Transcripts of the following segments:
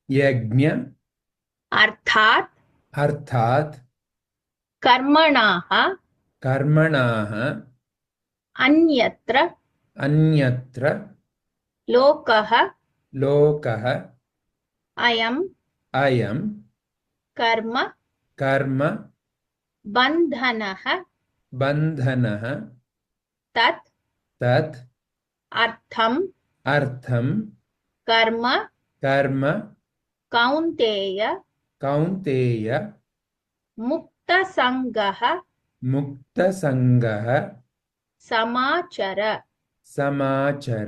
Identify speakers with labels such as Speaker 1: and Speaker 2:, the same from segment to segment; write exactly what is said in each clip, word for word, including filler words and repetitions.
Speaker 1: यज्ञ
Speaker 2: अर्थात्
Speaker 1: अर्थात्
Speaker 2: कर्मणाः
Speaker 1: कर्मणाः
Speaker 2: अन्यत्र
Speaker 1: अन्यत्र
Speaker 2: लोकः
Speaker 1: लोकः
Speaker 2: अयं
Speaker 1: अयं
Speaker 2: कर्म
Speaker 1: कर्म
Speaker 2: बन्धनः
Speaker 1: बन्धनः
Speaker 2: तत्
Speaker 1: तत्
Speaker 2: अर्थं
Speaker 1: अर्थं
Speaker 2: कर्म
Speaker 1: कर्म
Speaker 2: कौन्तेय
Speaker 1: कौन्तेय
Speaker 2: मुक्तसङ्गः
Speaker 1: मुक्तसङ्गः
Speaker 2: समाचर।
Speaker 1: समाचर।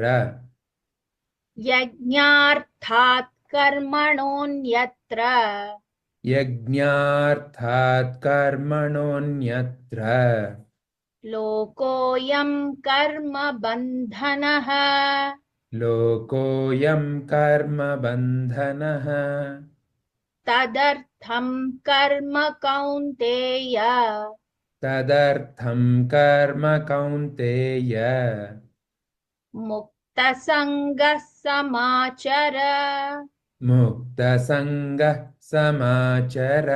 Speaker 2: यज्ञार्थात् कर्मणोऽन्यत्र
Speaker 1: यज्ञार्थात् कर्मणोऽन्यत्र
Speaker 2: लोकोऽयं कर्म बन्धनः
Speaker 1: लोकोऽयं कर्म बन्धनः
Speaker 2: तदर्थं कर्म कौन्तेय
Speaker 1: तदर्थं कर्म कौन्तेय
Speaker 2: मुक्तसङ्गः समाचर।
Speaker 1: मुक्तसङ्गः समाचर।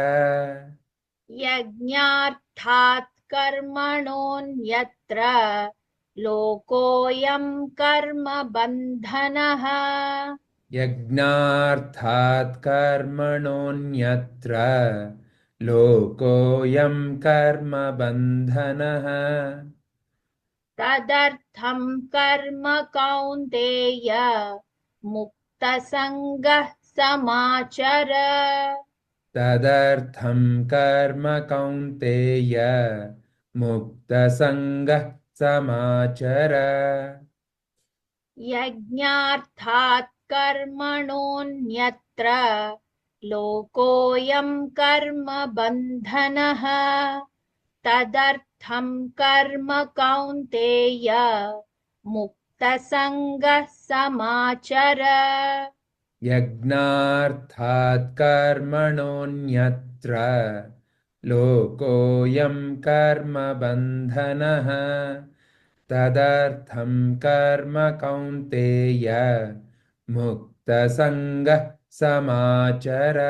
Speaker 2: यज्ञार्थात् कर्मणोऽन्यत्र लोकोऽयं कर्म बन्धनः
Speaker 1: यज्ञार्थात् कर्मणोऽन्यत्र लोकोऽयं कर्म बन्धनः
Speaker 2: तदर्थं कर्म कौन्तेय मुक्तसङ्गः समाचर।
Speaker 1: तदर्थं कर्म कौन्तेय मुक्तसङ्गः समाचर।
Speaker 2: यज्ञार्थात् कर्मणोऽन्यत्र लोकोऽयं कर्म बन्धनः तदर्थं कर्म कौन्तेय मुक्तसङ्गः समाचर।
Speaker 1: यज्ञार्थात् कर्मणोऽन्यत्र लोकोऽयं कर्म बन्धनः तदर्थं कर्म Kaunteya मुक्तसङ्गः समाचर।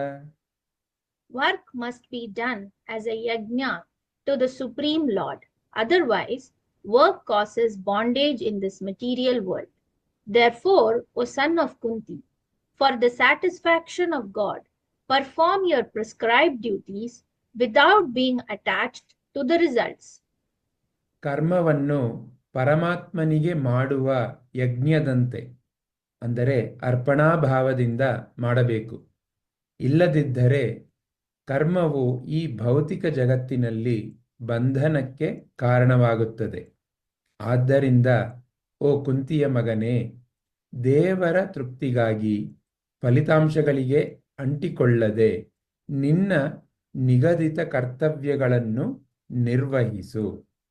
Speaker 2: Work must be done as a yajna to the Supreme Lord. Otherwise, work causes bondage in this material world. Therefore, O son of Kunti, for the satisfaction of God, perform your prescribed duties without being attached to the results.
Speaker 1: ಕರ್ಮವನ್ನು ಪರಮಾತ್ಮನಿಗೆ ಮಾಡುವ ಯಜ್ಞದಂತೆ ಅಂದರೆ ಅರ್ಪಣಾಭಾವದಿಂದ ಮಾಡಬೇಕು. ಇಲ್ಲದಿದ್ದರೆ ಕರ್ಮವು ಈ ಭೌತಿಕ ಜಗತ್ತಿನಲ್ಲಿ ಬಂಧನಕ್ಕೆ ಕಾರಣವಾಗುತ್ತದೆ. ಆದ್ದರಿಂದ ಓ ಕುಂತಿಯ ಮಗನೇ, ದೇವರ ತೃಪ್ತಿಗಾಗಿ ಫಲಿತಾಂಶಗಳಿಗೆ ಅಂಟಿಕೊಳ್ಳದೆ ನಿನ್ನ ನಿಗದಿತ ಕರ್ತವ್ಯಗಳನ್ನು ನಿರ್ವಹಿಸು.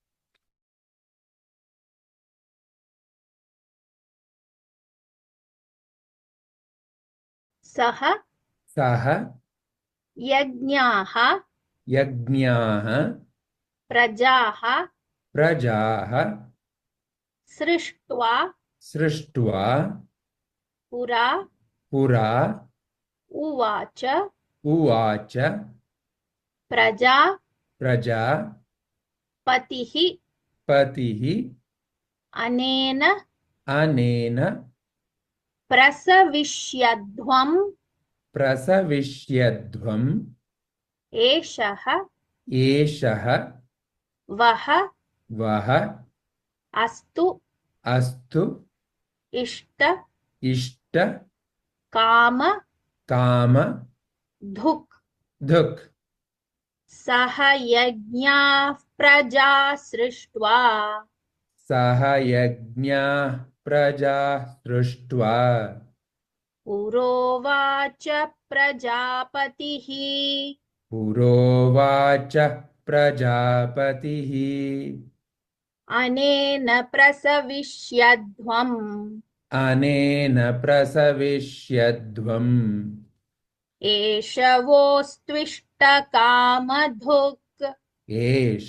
Speaker 2: सह
Speaker 1: सह
Speaker 2: यज्ञाः
Speaker 1: यज्ञाः
Speaker 2: प्रजाः
Speaker 1: प्रजाः
Speaker 2: सृष्ट्वा
Speaker 1: सृष्ट्वा
Speaker 2: पुरा
Speaker 1: पुरा
Speaker 2: उवाच
Speaker 1: उवाच
Speaker 2: प्रजा
Speaker 1: प्रजा
Speaker 2: पतिः
Speaker 1: पतिः
Speaker 2: अनेन
Speaker 1: अनेन
Speaker 2: प्रसविष्यध्वम्
Speaker 1: प्रसविष्यध्वम्
Speaker 2: एषः
Speaker 1: एषः
Speaker 2: वः
Speaker 1: वः
Speaker 2: अस्तु
Speaker 1: अस्तु
Speaker 2: इष्ट
Speaker 1: इष्ट
Speaker 2: काम
Speaker 1: काम
Speaker 2: धुक्।
Speaker 1: धुक्।
Speaker 2: सह यज्ञाः प्रजा सृष्ट्वा
Speaker 1: सह यज्ञाः प्रजा सृष्ट्वा
Speaker 2: पुरोवाच प्रजापतिः
Speaker 1: पुरोवाच प्रजापतिः
Speaker 2: अनेन प्रसविष्यध्वम्
Speaker 1: अनेन प्रसविष्यध्वम्
Speaker 2: एष वोस्त्विष्टकामधुक्।
Speaker 1: एष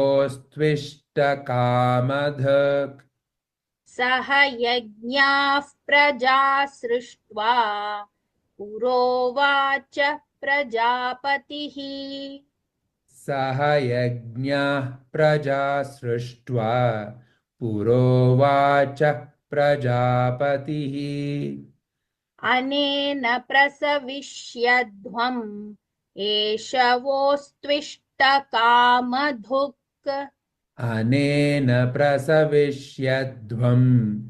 Speaker 1: वोस्त्विष्टकामधक्।
Speaker 2: सह यज्ञाः प्रजा सृष्ट्वा पुरोवाच प्रजापतिः।
Speaker 1: सह यज्ञः प्रजा सृष्ट्वा पुरोवाच प्रजापतिः।
Speaker 2: अनेन प्रसविष्यध्वम् एषवोस्त्विष्टकामधुक्।
Speaker 1: अनेन प्रसविष्यध्वम्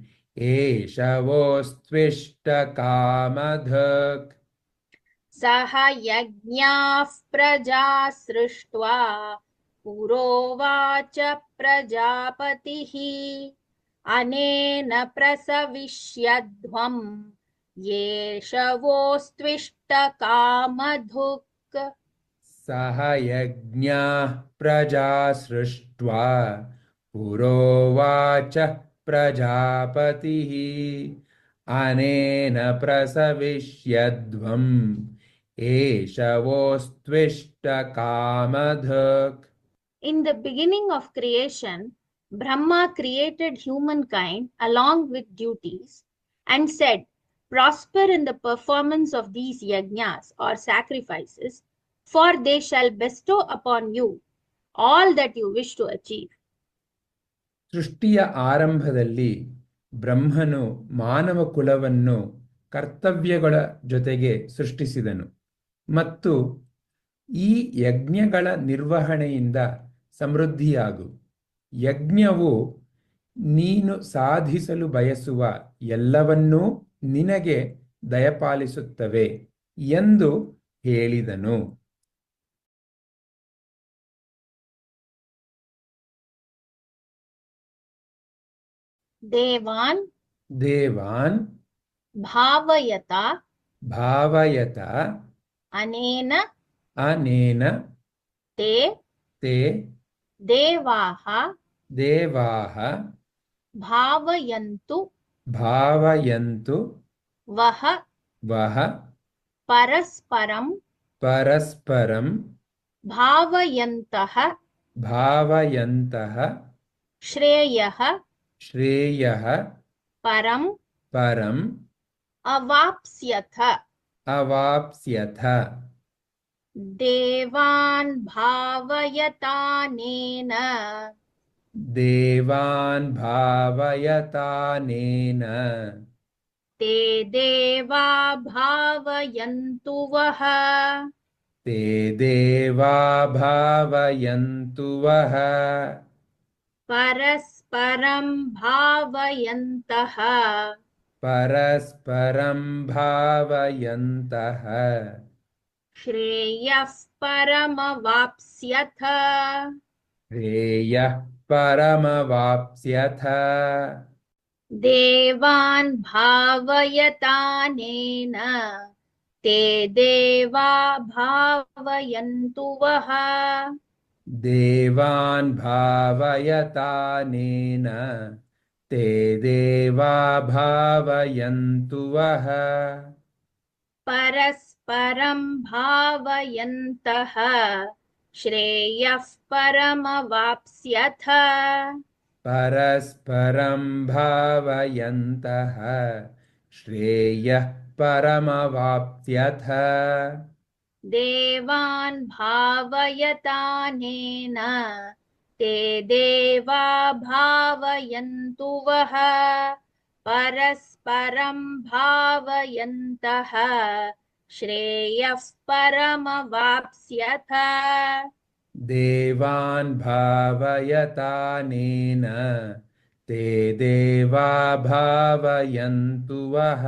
Speaker 1: एषवोस्त्विष्टकामधक्।
Speaker 2: सह यज्ञाः प्रजा सृष्ट्वा पुरोवाच प्रजापतिः। अनेन प्रसविष्यध्वम् येषवोस्त्विष्टकामधुक्।
Speaker 1: सह यज्ञाः प्रजा सृष्ट्वा पुरोवाच प्रजापतिः। अनेन प्रसविष्यध्वम् एषवोस्त्विष्टकामधक्।
Speaker 2: In the beginning of creation, Brahma created humankind along with duties and said, prosper in the performance of these yajnas or sacrifices, for they shall bestow upon you all that you wish to achieve.
Speaker 1: ಸೃಷ್ಟಿಯ ಆರಂಭದಲ್ಲಿ ಬ್ರಹ್ಮನು ಮಾನವ ಕುಲವನ್ನು ಕರ್ತವ್ಯಗಳ ಜೊತೆಗೆ ಸೃಷ್ಟಿಸಿದನು ಮತ್ತು ಈ ಯಜ್ಞಗಳ ನಿರ್ವಹಣೆಯಿಂದ ಸಮೃದ್ಧಿಯಾಗು. ಯಜ್ಞವು ನೀನು ಸಾಧಿಸಲು ಬಯಸುವ ಎಲ್ಲವನ್ನೂ ನಿನಗೆ ದಯಪಾಲಿಸುತ್ತವೆ ಎಂದು ಹೇಳಿದನು.
Speaker 2: ದೇವಾನ್
Speaker 1: ದೇವಾನ್
Speaker 2: ಭಾವಯತ
Speaker 1: ಭಾವಯತ
Speaker 2: ಅನೇನ
Speaker 1: ಅನೇನ
Speaker 2: ತೇ
Speaker 1: ತೇ
Speaker 2: ದೇವಾಃ
Speaker 1: ದೇವಾಃ
Speaker 2: ಭಾವಯಂತು
Speaker 1: ಭಾವಯಂತು
Speaker 2: ವಹ
Speaker 1: ವಹ
Speaker 2: ಪರಸ್ಪರಂ
Speaker 1: ಪರಸ್ಪರಂ
Speaker 2: ಭಾವಯಂತಃ
Speaker 1: ಭಾವಯಂತಃ
Speaker 2: ಶ್ರೇಯಃ
Speaker 1: ಶ್ರೇಯಃ
Speaker 2: ಪರಂ
Speaker 1: ಪರಂ
Speaker 2: ಅವಾಪ್ಸ್ಯಥ.
Speaker 1: ಅವಾಪ್ಸ್ಯಥ.
Speaker 2: ದೇವಾನ್ ಭಾವಯತಾನೇನ
Speaker 1: ದೇವಾನ್ ಭಾವಯತಾನೇನ
Speaker 2: ತೇ ದೇವಾ ಭಾವಯಂತು ವಹ
Speaker 1: ತೇ ದೇವಾ ಭಾವಯಂತು ವಹ
Speaker 2: ಪರಸ್ಪರಂ ಭಾವಯಂತಃ
Speaker 1: ಪರಸ್ಪರಂ ಭಾವಯಂತಃ
Speaker 2: ಶ್ರೇಯಃ ಪರಮವಾಪ್ಸ್ಯಥ.
Speaker 1: ಶ್ರೇಯಃ ಪರಮವಾಪ್ಸ್ಯಥ.
Speaker 2: ದೇವಾನ್ ಭಾವಯತಾನೇನ ತೇ ದೇವಾ ಭಾವಯಂತು ವಹ
Speaker 1: ದೇವಾನ್ ಭಾವಯತಾನೇನ ತೇ ದೇವಾ ಭಾವಯಂತು ವಹ
Speaker 2: ಪರಸ್ಪರಂ ಭಾವಯಂತಃ ಶ್ರೇಯಃ ಪರಮವಾಪ್ಸ್ಯಥ.
Speaker 1: ಪರಸ್ಪರಂ ಭಾವಯಂತಃ ಶ್ರೇಯಃ ಪರಮವಾಪ್ಸ್ಯಥ.
Speaker 2: ದೇವಾನ್ ಭಾವಯತಾನೇನ ತೇ ದೇವಾ ಭಾವಯಂತು ವಹ ಪರಸ್ಪರಂ ಭಾವಯಂತಃ ಶ್ರೇಯಃ ಪರಮವಾಪ್ಸ್ಯಥ.
Speaker 1: ದೇವಾನ್ ಭಾವಯತಾನೇನ ತೇ ದೇವಾ ಭಾವಯಂತು ವಹ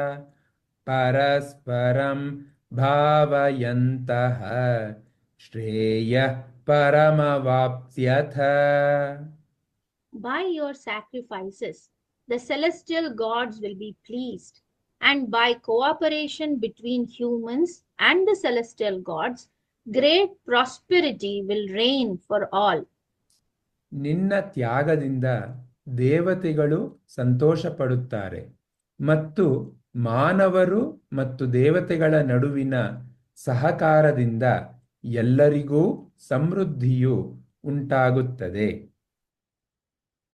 Speaker 1: ಪರಸ್ಪರಂ ಭಾವಯಂತಃ ಶ್ರೇಯಃ ಪರಮವಾಪ್ಸ್ಯಥ.
Speaker 2: By your sacrifices, the celestial gods will be pleased, and by cooperation between humans and the celestial gods, great prosperity will reign for all.
Speaker 1: ನಿನ್ನ ತ್ಯಾಗದಿಂದ ದೇವತೆಗಳು ಸಂತೋಷಪಡುತ್ತಾರೆ ಮತ್ತು ಮಾನವರು ಮತ್ತು ದೇವತೆಗಳ ನಡುವಿನ ಸಹಕಾರದಿಂದ ಎಲ್ಲರಿಗೂ ಸಮೃದ್ಧಿಯು ಉಂಟಾಗುತ್ತದೆ.